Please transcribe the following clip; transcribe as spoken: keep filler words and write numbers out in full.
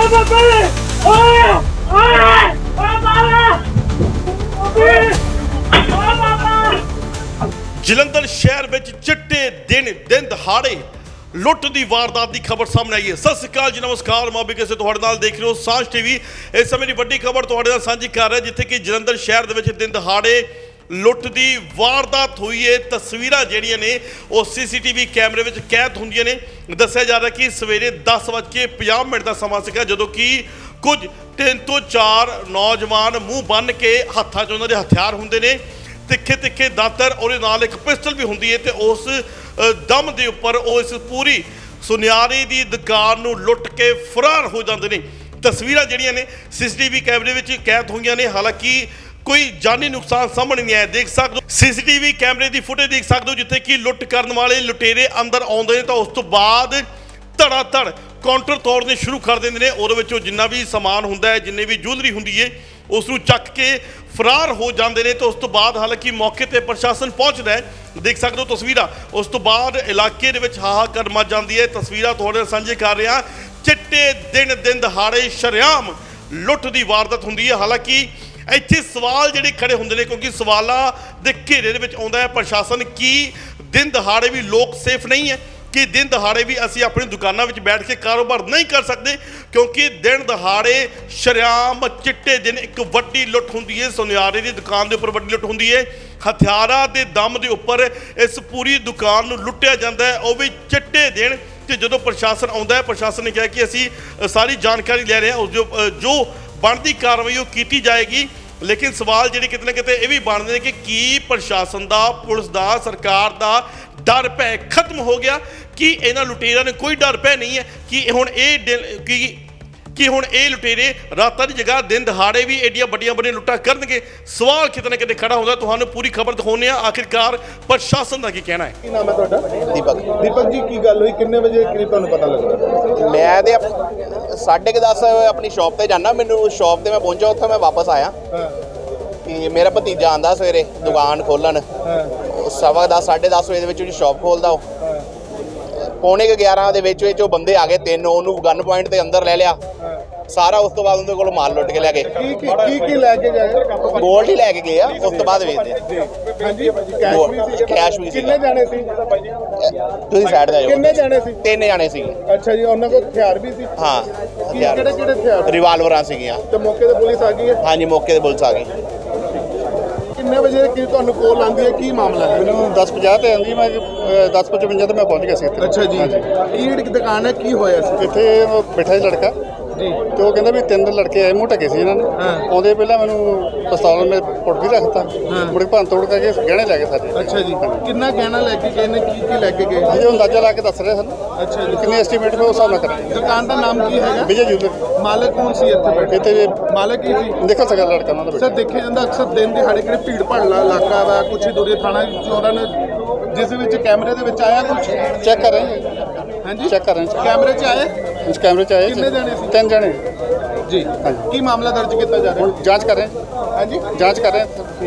ਜਲੰਧਰ ਸ਼ਹਿਰ ਵਿੱਚ ਚਿੱਟੇ ਦਿਨ ਦਿਨ ਦਹਾੜੇ ਲੁੱਟ ਦੀ ਵਾਰਦਾਤ ਦੀ ਖਬਰ ਸਾਹਮਣੇ ਆਈ ਹੈ। ਸਤਿ ਸ਼੍ਰੀ ਅਕਾਲ ਜੀ, ਨਮਸਕਾਰ। ਮੈਂ ਕਿਸੇ ਤੁਹਾਡੇ ਨਾਲ ਦੇਖ ਰਹੇ ਹੋ ਸਾਂਝ ਟੀਵੀ। ਇਸ ਸਮੇਂ ਦੀ ਵੱਡੀ ਖਬਰ ਤੁਹਾਡੇ ਨਾਲ ਸਾਂਝੀ ਕਰ ਰਿਹਾ, ਜਿੱਥੇ ਕਿ ਜਲੰਧਰ ਸ਼ਹਿਰ ਦੇ ਵਿੱਚ ਦਿਨ ਦਹਾੜੇ ਲੁੱਟ ਦੀ ਵਾਰਦਾਤ ਹੋਈ ਹੈ। ਤਸਵੀਰਾਂ ਜਿਹੜੀਆਂ ਨੇ ਉਹ ਸੀਸੀਟੀਵੀ ਕੈਮਰੇ ਵਿੱਚ ਕੈਦ ਹੁੰਦੀਆਂ ਨੇ। ਦੱਸਿਆ ਜਾ ਰਿਹਾ ਕਿ ਸਵੇਰੇ ਦਸ ਵੱਜ ਕੇ ਪੰਜਾਹ ਮਿੰਟ ਦਾ ਸਮਾਂ ਸੀਗਾ, ਜਦੋਂ ਕਿ ਕੁਝ ਤਿੰਨ ਤੋਂ ਚਾਰ ਨੌਜਵਾਨ ਮੂੰਹ ਬੰਨ੍ਹ ਕੇ ਹੱਥਾਂ 'ਚ ਉਹਨਾਂ ਦੇ ਹਥਿਆਰ ਹੁੰਦੇ ਨੇ, ਤਿੱਖੇ ਤਿੱਖੇ ਦਾਤਰ, ਉਹਦੇ ਨਾਲ ਇੱਕ ਪਿਸਟਲ ਵੀ ਹੁੰਦੀ ਹੈ, ਤੇ ਉਸ ਦਮ ਦੇ ਉੱਪਰ ਉਹ ਇਸ ਪੂਰੀ ਸੁਨਿਆਰੇ ਦੀ ਦੁਕਾਨ ਨੂੰ ਲੁੱਟ ਕੇ ਫਰਾਰ ਹੋ ਜਾਂਦੇ ਨੇ। ਤਸਵੀਰਾਂ ਜਿਹੜੀਆਂ ਨੇ ਸੀਸੀਟੀਵੀ ਕੈਮਰੇ ਵਿੱਚ ਕੈਦ ਹੋਈਆਂ ਨੇ। ਹਾਲਾਂਕਿ ਕੋਈ ਜਾਨੀ ਨੁਕਸਾਨ ਸਾਹਮਣੇ ਨਹੀਂ ਆਇਆ। ਦੇਖ ਸਕਦੇ ਹੋ ਸੀਸੀਟੀਵੀ ਕੈਮਰੇ ਦੀ ਫੁਟੇਜ ਦੇਖ ਸਕਦੇ ਹੋ, ਜਿੱਥੇ ਕਿ ਲੁੱਟ ਕਰਨ ਵਾਲੇ ਲੁਟੇਰੇ ਅੰਦਰ ਆਉਂਦੇ ਨੇ ਤਾਂ ਉਸ ਤੋਂ ਬਾਅਦ ਧੜਾ ਧੜ ਕਾਊਂਟਰ ਤੋੜਨੇ ਸ਼ੁਰੂ ਕਰ ਦਿੰਦੇ ਨੇ। ਉਹਦੇ ਵਿੱਚੋਂ ਜਿੰਨਾ ਵੀ ਸਮਾਨ ਹੁੰਦਾ ਹੈ, ਜਿੰਨੇ ਵੀ ਜੁਐਲਰੀ ਹੁੰਦੀ ਹੈ, ਉਸ ਨੂੰ ਚੱਕ ਕੇ ਫਰਾਰ ਹੋ ਜਾਂਦੇ ਨੇ। ਤੇ ਉਸ ਤੋਂ ਬਾਅਦ ਹਾਲਾਂਕਿ ਮੌਕੇ ਤੇ ਪ੍ਰਸ਼ਾਸਨ ਪਹੁੰਚਦਾ ਹੈ। ਦੇਖ ਸਕਦੇ ਹੋ ਤਸਵੀਰਾਂ। ਉਸ ਤੋਂ ਬਾਅਦ ਇਲਾਕੇ ਦੇ ਵਿੱਚ ਹਾਹਾਕਾਰ ਮਚ ਜਾਂਦੀ ਹੈ। ਤਸਵੀਰਾਂ ਤੁਹਾਡੇ ਨਾਲ ਸਾਂਝੇ ਕਰ ਰਿਹਾ। ਚਿੱਟੇ ਦਿਨ ਦਿਨ ਦਹਾੜੇ ਸ਼ਰੇਆਮ ਲੁੱਟ ਦੀ ਵਾਰਦਾਤ ਹੁੰਦੀ ਹੈ। ਹਾਲਾਂਕਿ ਇੱਥੇ ਸਵਾਲ ਜਿਹੜੇ ਖੜੇ ਹੁੰਦੇ ਨੇ, ਕਿਉਂਕਿ ਸਵਾਲਾਂ ਦੇ ਘੇਰੇ ਦੇ ਵਿੱਚ ਆਉਂਦਾ ਹੈ ਪ੍ਰਸ਼ਾਸਨ, ਕੀ ਦਿਨ ਦਹਾੜੇ ਵੀ ਲੋਕ ਸੇਫ ਨਹੀਂ ਹੈ? ਕਿ ਦਿਨ ਦਹਾੜੇ ਵੀ ਅਸੀਂ ਆਪਣੀ ਦੁਕਾਨਾਂ ਵਿੱਚ ਬੈਠ ਕੇ ਕਾਰੋਬਾਰ ਨਹੀਂ ਕਰ ਸਕਦੇ? ਕਿਉਂਕਿ ਦਿਨ ਦਹਾੜੇ ਸ਼ਰੇਆਮ ਚਿੱਟੇ ਦਿਨ ਇੱਕ ਵੱਡੀ ਲੁੱਟ ਹੁੰਦੀ ਹੈ। ਸੁਨਿਆਰੇ ਦੀ ਦੁਕਾਨ ਦੇ ਉੱਪਰ ਵੱਡੀ ਲੁੱਟ ਹੁੰਦੀ ਹੈ। ਹਥਿਆਰਾਂ ਦੇ ਦਮ ਦੇ ਉੱਪਰ ਇਸ ਪੂਰੀ ਦੁਕਾਨ ਨੂੰ ਲੁੱਟਿਆ ਜਾਂਦਾ ਹੈ, ਉਹ ਵੀ ਚਿੱਟੇ ਦਿਨ। ਤੇ ਜਦੋਂ ਪ੍ਰਸ਼ਾਸਨ ਆਉਂਦਾ ਹੈ, ਪ੍ਰਸ਼ਾਸਨ ਨੇ ਕਿਹਾ ਕਿ ਅਸੀਂ ਸਾਰੀ ਜਾਣਕਾਰੀ ਲੈ ਰਹੇ ਹਾਂ, ਉਸ ਜੋ ਜੋ ਬਣਦੀ ਕਾਰਵਾਈ ਉਹ ਕੀਤੀ ਜਾਏਗੀ। ਲੇਕਿਨ ਸਵਾਲ ਜਿਹੜੇ ਕਿਤੇ ਨਾ ਕਿਤੇ ਇਹ ਵੀ ਬਣਦੇ ਨੇ ਕਿ ਕੀ ਪ੍ਰਸ਼ਾਸਨ ਦਾ, ਪੁਲਿਸ ਦਾ, ਸਰਕਾਰ ਦਾ ਡਰ ਭੈ ਖਤਮ ਹੋ ਗਿਆ? ਕਿ ਇਹਨਾਂ ਲੁਟੇਰਿਆਂ ਨੇ ਕੋਈ ਡਰ ਭੈ ਨਹੀਂ ਹੈ? ਕਿ ਹੁਣ ਇਹ ਕਿ ਕਿ ਹੁਣ ਇਹ ਲੁਟੇਰੇ ਰਾਤਾਂ ਦੀ ਜਗ੍ਹਾ ਦਿਨ ਦਹਾੜੇ ਵੀ ਏਡੀਆਂ ਵੱਡੀਆਂ ਵੱਡੀਆਂ ਲੁੱਟਾਂ ਕਰਨਗੇ? ਸਵਾਲ ਕਿਤੇ ਨਾ ਕਿਤੇ ਖੜਾ ਹੁੰਦਾ। ਤੁਹਾਨੂੰ ਪੂਰੀ ਖਬਰ ਦਿਖਾਉਂਦੇ ਆ ਆਖਿਰਕਾਰ ਪ੍ਰਸ਼ਾਸਨ ਦਾ ਕੀ ਕਹਿਣਾ ਹੈ। ਕੀ ਨਾਮ ਹੈ ਤੁਹਾਡਾ? ਦੀਪਕ। ਦੀਪਕ ਜੀ, ਕੀ ਗੱਲ ਹੋਈ? ਕਿੰਨੇ ਵਜੇ ਕਰੀਬ ਤੁਹਾਨੂੰ ਪਤਾ ਲੱਗਾ? ਮੈਂ ਤੇ ਸਾਢੇ ਕੁ ਦਸ ਆਪਣੀ ਸ਼ਾਪ ਤੇ ਜਾਣਾ। ਮੈਨੂੰ ਸ਼ਾਪ ਤੇ ਮੈਂ ਪਹੁੰਚਾ, ਉੱਥੇ ਮੈਂ ਵਾਪਸ ਆਇਆ ਕਿ ਮੇਰਾ ਭਤੀਜਾ ਆਂਦਾ ਸਵੇਰੇ ਦੁਕਾਨ ਖੋਲਣ। ਸਵਾ ਦਸ ਸਾਢੇ ਦਸ ਵਜੇ ਦੇ ਵਿੱਚ ਉਹਦੀ ਸ਼ਾਪ ਖੋਲਦਾ। ਉਹ ਪੌਣੇ ਕੁ ਗਿਆਰਾਂ ਦੇ ਵਿੱਚ ਵਿੱਚ ਉਹ ਬੰਦੇ ਆ ਗਏ ਤਿੰਨ। ਉਹਨੂੰ ਗਨ ਪੁਆਇੰਟ ਤੇ ਅੰਦਰ ਲੈ ਲਿਆ ਸਾਰਾ। ਉਸ ਤੋਂ ਬਾਅਦ ਉਹਦੇ ਕੋਲ ਮਾਲ ਲੁੱਟ ਕੇ ਲੈ ਗਏ। ਕੀ ਕੀ ਕੀ ਲੈ ਕੇ ਗਏ? ਗੋਲਡ ਹੀ ਲੈ ਕੇ ਗਏ ਆ। ਉਸ ਤੋਂ ਬਾਅਦ ਵੇਚਦੇ ਹਾਂਜੀ, ਕੈਸ਼ ਵੀ ਸੀ? ਕੈਸ਼ ਵੀ ਸੀ। ਕਿੰਨੇ ਜਾਣੇ ਸੀ? ਤੁਸੀਂ ਸਾਈਡ ਤੇ ਆਓ। ਕਿੰਨੇ ਜਾਣੇ ਸੀ? ਤਿੰਨ ਜਾਣੇ ਸੀਗੇ। ਅੱਛਾ ਜੀ, ਉਹਨਾਂ ਕੋਲ ਹਥਿਆਰ ਵੀ ਸੀ? ਹਾਂ, ਕਿਹੜੇ ਕਿਹੜੇ ਹਥਿਆਰ? ਰਿਵਾਲਵਰਾਂ ਸੀਗੀਆਂ। ਤੇ ਮੌਕੇ ਤੇ ਪੁਲਿਸ ਆ ਗਈ ਹੈ? ਹਾਂਜੀ, ਮੌਕੇ ਤੇ ਪੁਲਿਸ ਆ ਗਈ। ਕਿੰਨੇ ਵਜੇ ਕੀ ਤੁਹਾਨੂੰ ਕੋਲ ਆਉਂਦੀ ਹੈ? ਕੀ ਮਾਮਲਾ ਹੈ? ਮੈਨੂੰ ਦਸ ਪੰਜਾਹ ਤੇ ਆਉਂਦੀ, ਮੈਂ ਦਸ ਪਚਵੰਜਾ ਤੇ ਮੈਂ ਪਹੁੰਚ ਗਿਆ ਸੀ ਇੱਥੇ। ਅੱਛਾ ਜੀ, ਇਹ ਇੱਕ ਦੁਕਾਨ ਹੈ, ਕੀ ਹੋਇਆ ਸੀ ਇੱਥੇ ਉਹ ਬੈਠਾ ਸੀ ਲੜਕਾ ਜੀ, ਤੇ ਉਹ ਕਹਿੰਦਾ ਵੀ ਤਿੰਨ ਲੜਕੇ ਆਏ, ਮੂੰਹ ਢਕੇ ਸੀ ਇਹਨਾਂ ਨੇ। ਆਉਂਦੇ ਪਹਿਲਾਂ ਮੈਨੂੰ ਪਿਸਤੌਲ ਮੇ ਪੁੱਟ ਵੀ ਰੱਖਤਾ, ਮੁੜ ਕੇ ਭੰਨ ਤੋੜ ਕਰਕੇ ਗਹਿਣੇ ਲੈ ਗਏ ਸਾਡੇ। ਅੱਛਾ ਜੀ, ਕਿੰਨਾ ਗਹਿਣਾ ਲੈ ਕੇ ਗਏ ਨੇ? ਕੀ ਕੀ ਲੈ ਕੇ ਗਏ? ਅਜੇ ਅੰਦਾਜ਼ਾ ਲਾ ਕੇ ਦੱਸ ਰਹੇ ਸਾਨੂੰ। ਅੱਛਾ ਜੀ, ਕਿੰਨੇ ਐਸਟੀਮੇਟ ਮੈਂ ਉਸ ਹਿਸਾਬ ਨਾਲ ਕਰਾਂਗੇ। ਦੁਕਾਨ ਦਾ ਨਾਮ ਕੀ ਹੈਗਾ? ਵਿਜੇ ਜੂਲਰ। ਮਾਲਕ ਕੌਣ ਸੀ ਇੱਥੇ ਬੈਠੇ? ਇੱਥੇ ਮਾਲਕ ਕੀ ਸੀ? ਦੇਖੋ ਸਕਦਾ ਲੜਕਾ ਉਹਨਾਂ ਦਾ ਸਰ, ਦੇਖਿਆ ਜਾਂਦਾ ਅਕਸਰ ਦਿਨ ਦਿਹਾੜੇ ਕਿਹੜੇ ਭੀੜ ਭਾੜਲਾ ਇਲਾਕਾ ਵਾ, ਕੁਛ ਦੂਰੇ ਥਾਣਾ ਚੋਰਾਂ ਨੇ, ਜਿਸ ਵਿੱਚ ਕੈਮਰੇ ਦੇ ਵਿੱਚ ਆਇਆ ਕੁਛ? ਚੈੱਕ ਕਰ ਰਹੇ ਹਾਂ। ਹਾਂਜੀ, ਚੈੱਕ ਕਰ ਰਹੇ ਹਾਂ। ਕੈਮਰੇ 'ਚ ਆਏ? ਇਸ ਕੈਮਰੇ 'ਚ ਆਏ ਕਿੰਨੇ ਜਾਣੇ ਸੀ? ਤਿੰਨ ਜਾਣੇ ਜੀ, ਹਾਂਜੀ। ਕੀ ਮਾਮਲਾ ਦਰਜ ਕੀਤਾ ਜਾ ਰਿਹਾ? ਹੁਣ ਜਾਂਚ ਕਰ ਰਹੇ ਹਾਂ। ਹਾਂਜੀ, ਜਾਂਚ ਕਰ ਰਹੇ ਹਾਂ।